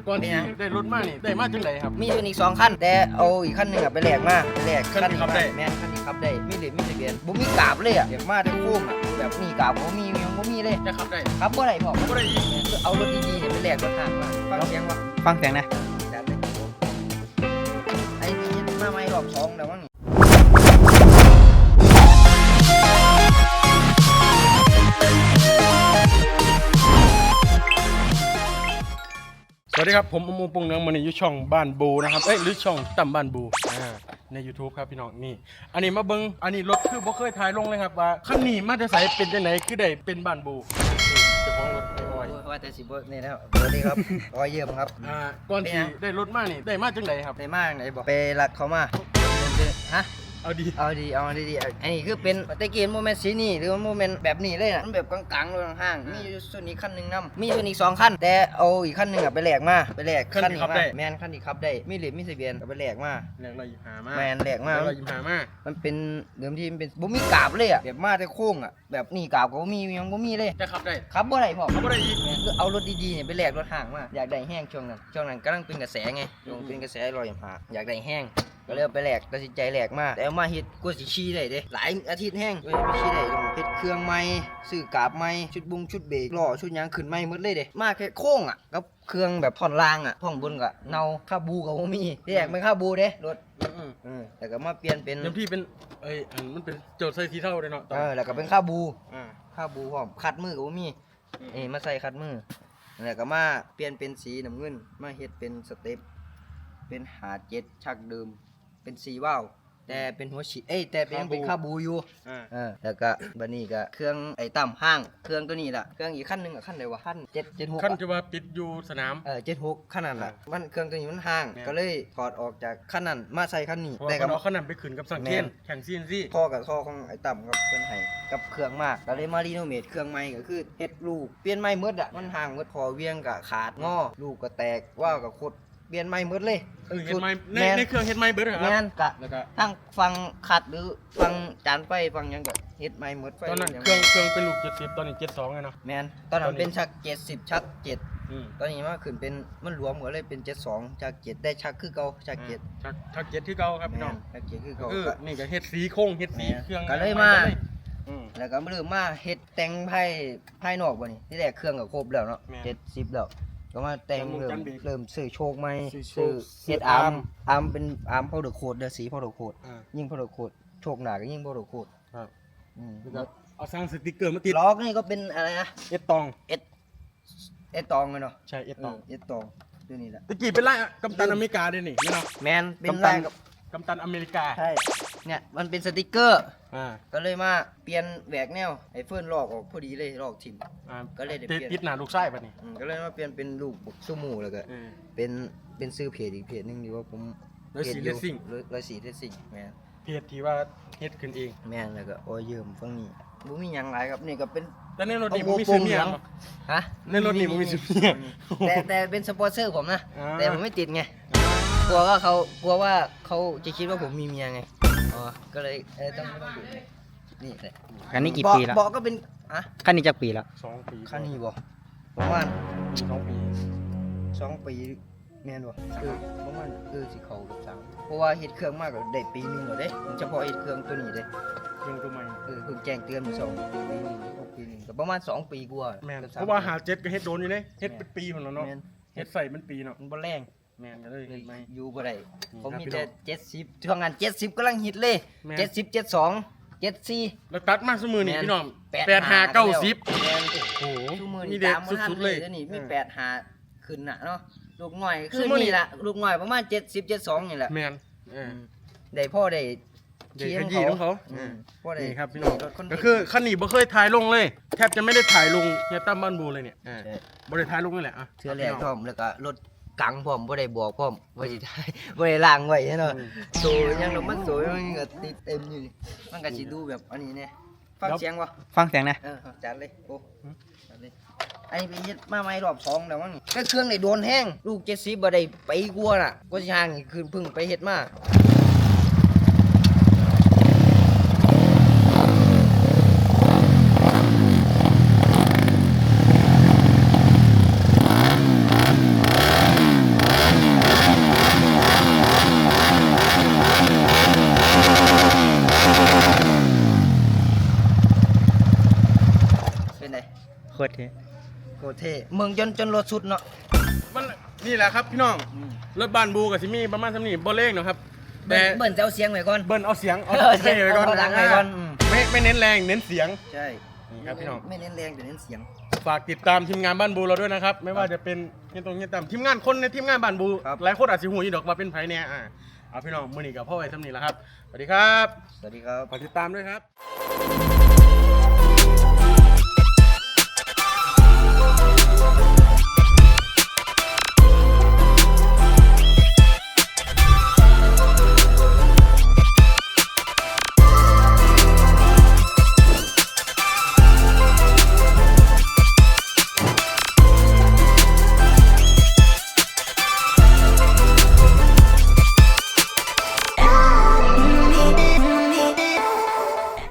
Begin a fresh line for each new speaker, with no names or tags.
ก่อนที่ได้รถมานี่ได้มาจังไดครับ
มีอยู่อีก2 คันแต่เอาอีกคันหนึงไปแลกมาไปแลก
คันนี้ขับได้
แม่นคันนี้ขับได้มีเหรียญมีทะเบียนบ่มีกราบเลยอยากมาได้โค้งแบบนี้กราบบ่มียังบ่มีเลย
จะขับได้
ขับบ่ได้พ่อ
บ่ได้อีก
เอารถดีๆเนี่ยไปแลกรถทางมาฟังเสียงบ่
ฟังเสียงนะ
จัดเลยไอ้นี่มาใหม่รอบ2แล้วมั้ง
สวัสดีครับผมอมูปงเนืองมันอยู่ช่องบ้านบูนะครับหรือช่องต่ำบ้านบูใน YouTube ครับพี่น้องนี่อันนี้มาเบิ้งอันนี้รถคือบ่เคยถ่ายลงเลยครับว่าคันนี้มาแต่ไสเป็นจังไหนคือได้เป็นบ้านบูเจ้าของรถไอ้อ้อย
ว่าแต่สิบ่นี่แล้วสวัสดีครับอ้อยเยี่ยมครับ
ก่อนที่ได้รถมานี่ได้มาจังไดครับ
ได้มาจังไดบ่ไปรักเขามาฮะ
เอาดี
อันนี้คือเป็นตะเกียบโมเมนต์สีนี่หรือว่าโมเมนต์แบบนี้เลยนะมันแบบกลางๆเลยห่างๆมีอยู่ส่วนนี้คันหนึ่งนำมีส่วนอีก2 คันแต่เอาอีกคันหนึ่งไปแลกมาไปแลกคันนี้มาแมนคันนี้ขับได้มีเหรียญมีทะเบียนไปแลกมา
แลกเราหยิบหามา
แมนแลกมามันเป็นเดิมทีมันเป็นบ่มีกราบเลยแบบมาแต่โค้งแบบนี้กราบก็บ่มียังบ่มีเลย
จะขับได้
ขับบ่ได้พ่อ
ขับบ่ได้อีก
เอารถดีๆเนี่ยไปแลกรถห่างมาอยากได้แห้งช่วงนั้นกำลังเป็นกระแสไงเป็นกระแสลอยหาอยากได้แห้งก็เลยไปแลกตัดสินใจแลกมาแต่เอามาเฮ็ดกูสิชี้ได้เด้หลายอาทิตย์แห้งไม่ชี้ได้ต้องเฮ็ดเครื่องใหม่ซื้อกาบใหม่ชุดชุดเบรกล้อชุดยางขึ้นใหม่หมดเลยเด้มาแค่โค้งกับเครื่องแบบท่อนล่างท่อนบนก็เนาคาบูก็บ่มีแยกไม่คาบูเด้รถแต่ก็มาเปลี่ยนเป็น
ที่เป็นมันเป็นโจทย์ใส่สีเทาเด้เนาะ
แล้วก็เป็นคาบูพร้อมคัดมือก็บ่มีมาใส่คัดมือแล้วก็มาเปลี่ยนเป็นสีน้ำเงินมาเฮ็ดเป็นสเต็ปเป็น57ชักเดิมเป็น4 ว่าวแต่เป็นหัวฉีดแต่เป็นคาบูอยู่แล้วก็บัดนี้ก็เครื่องต่ำห้างเครื่องตัวนี้ล่ะเครื่องอีกขั้นนึงขั้นใดวะขั้น776
ขั้นที่ว่าติดอยู่สนาม
76ขั้นนั้นล่ะมันเครื่องตัวนี้มันห่างก็เลยถอดออกจากขั้นนั้นมาใส่ขั้นนี้
แต่ก็เอาขั้นนั้นไปขึ้นกับสังเกตแข่งCNC
ท่อกับท่อของต่ำกับเพิ่นให้กับเครื่องมากก็เลยมารีโนเวทเครื่องใหม่ก็คือเฮ็ดลูกเปลี่ยนใหม่หมดมันห่างหมดพอเวียงก็ขาดงอลูกก็แตกว่าวก็คดเปลี่ยนใหม่หมดเลย
เฮ็ดใหม่ในเครื่องเฮ็ดใหม่เบิดครับ
แม่นกะทั้งฟังขัดหรือฟังจานไฟฟังหยังก็เฮ็ดใหม่หมดไฟ
ตอนนั้นเครื่องเป็นลูก70ตอนนี้72ไงเนาะ
แม่นตอนนั้นเป็นชัก70ชัก7ตอนนี้มาขึ้นเป็นมันรวมก็เลยเป็น72ชัก7ได้ชักคือเก่าชัก7
ชัก7คือเก่าครับพี่น้อง
ชัก7คือเก่า
นี่ก็เฮ็ดสีโค้งเฮ็ดสีเครื่อง
ก็เลยมาแล้วก็เริ่มมาเฮ็ดแต่งภายนอกบ่นี่ที่แรกเครื่องก็ครบแล้วเนาะ70แล้วก็มาแต่งเริ่มซื้อโชคใหม่ซื้อเฮ็ดอาร์มเป็นอาร์มพาวเดอร์โคดเด้อสีพาวเดอร์โคดยิ่งพาวเดอร์โคดโชคหนาก็ยิ่งพาวเดอร์โคด
ครับเอาสร้างสติกเกอร์มาติด
ล้อนี่ก็เป็นอะไรนะ
เอสตอง
เลยเนาะ
ใช่เอสตอง
ตัวนี้แหละ
ตะกี้เป็นไรกัปตันอเมริกาด้วยนี่เนาะ
แมนเป็นไร
กัปตันอเมริกา
ใช่เนี่ยมันเป็นสติกเกอร์ก็เลยมาเปลี่ยนแหวกแนวไอ้เฟิร์นลอกออกพอดีเลยลอกทิ่มก็เลยได้เปลี่ยน
ติดหน้าลูกไส้ป่ะนี่
ก็เลยมาเปลี่ยนเป็นลูกซูมูแล้วก็เป็นซื้อเพจอีกเพจนึงดีว่าผม
104 Racing
104 Racing แม่น
เพจที่ว่าเฮ็ดขึ้นเอง
แม่นแล้วก็โอ้ยยืมฝั่งนี้บ่มีหยังหลายครับนี่ก็เป็น
แต่ในรถนี่บ่มีซื้อเมีย
ฮะ
ในรถนี่บ่มีซื้อเมีย
แต่เป็นสปอนเซอร์ผมนะแต่ผมไม่ติดไงกลัวว่าเขาจะคิดว่าผมมีเมียไงก็เลยต้องดูนี่แหละ
คันนี้กี่ปีแล้ว
บอกก็เป็น
คันนี้จักปีแล้ว
2 ปี
คันนี้บ่ประมาณ
2 ปี
แม่นบ่ประมาณสิเข้ากับ3เพราะว่าเฮ็ดเครื่องมากก็ได้ปีนึงแล้วเด้เฉพาะเฮ็ดเครื่องตัวนี้เด้
เครื่องตัวใหม่
เพิ่งแจ้งเตือนมา2 ปีนึงก็ประมาณ2 ปีกว่า
แม่นเพราะว่า57ก็เฮ็ดโดนอยู่เด้เฮ็ดเป็นปีพุ่นแล้วเนาะเฮ็ดใส่เป็นปีเนาะ
มันบ่แรง
แม่นก็เลย
อยู่บ่ได้ผมมีแต่70ช่วงนั้น70กำลังฮิตเลย70 72 74
แล้วตัดมาซุมื้อนี่พี่น้อง85 90โอ้โห
มีเด็กสุดๆเลยนี่มี85ขึ้นน่ะเนาะลูกน้อยคือนี่ล่ะลูกน้อยประมาณ70 72นี่แหละ
แม่น
ได้พ่อได้
เขียนของเขานี่ครับพี่น้องก็คือคันนี้บ่เคยถ่ายลงเลยแทบจะไม่ได้ถ่ายลงเฮียตั้มบ้านบูเลยเนี่ยบ่ได้ถ่ายลงนี่แหละ
เทื่อแรกพร้อมแล้วก็รถกังพร้อมบ่ได้บอกพร้อมบ่ได้ถ่ายบ่ได้ล้างไว้เนาะโซยังลงมันโซมันก็ติดเต็มอยู่มันก็สิดูแบบอันนี้แน่ฟังเสียงบ่
ฟังเสียงนะ
จัดเลยโอ้จัดเลยอันนี้เป็นเฮ็ดมาใหม่รอบ2แล้วมั้งนี่ก็เครื่องได้โดนแห้งลูก70บ่ได้ไปกลัวน่ะก็สิห่างนี่คือเพิ่งไปเฮ็ดมา
เท่
โคตรเท่เมืองจนรถสุดเนาะ
มันนี่แหละครับพี่น้องรถบ้านบูกับซิมี่ประมาณสำนี้บ่เล่งเนาะครับแต่
เบิ้ลจะเอาเสียงไว้ก่อน
เบิ้ลเอาเสียงเอา
เสียง
ไว้ก่อน
เอาดังไว้ก่อน
ไม่เน้นแรงเน้นเสียง
ใช่
นี่ครับพี่น้อง
ไม่เน้นแรงแต่เน้นเสียง
ฝากติดตามทีมงานบ้านบูเราด้วยนะครับไม่ว่าจะเป็นเฮียตรงเฮียตามทีมงานคนในทีมงานบ้านบูหลายคนอาจจะหูยี่ดอกว่าเป็นไผเนี่ยเอาพี่น้องมือนี้กับพ่อไอ้ทำนี่แหละครับสวัสดีครับ
สวัสดีครับ
ฝากติดตามด้วยครับ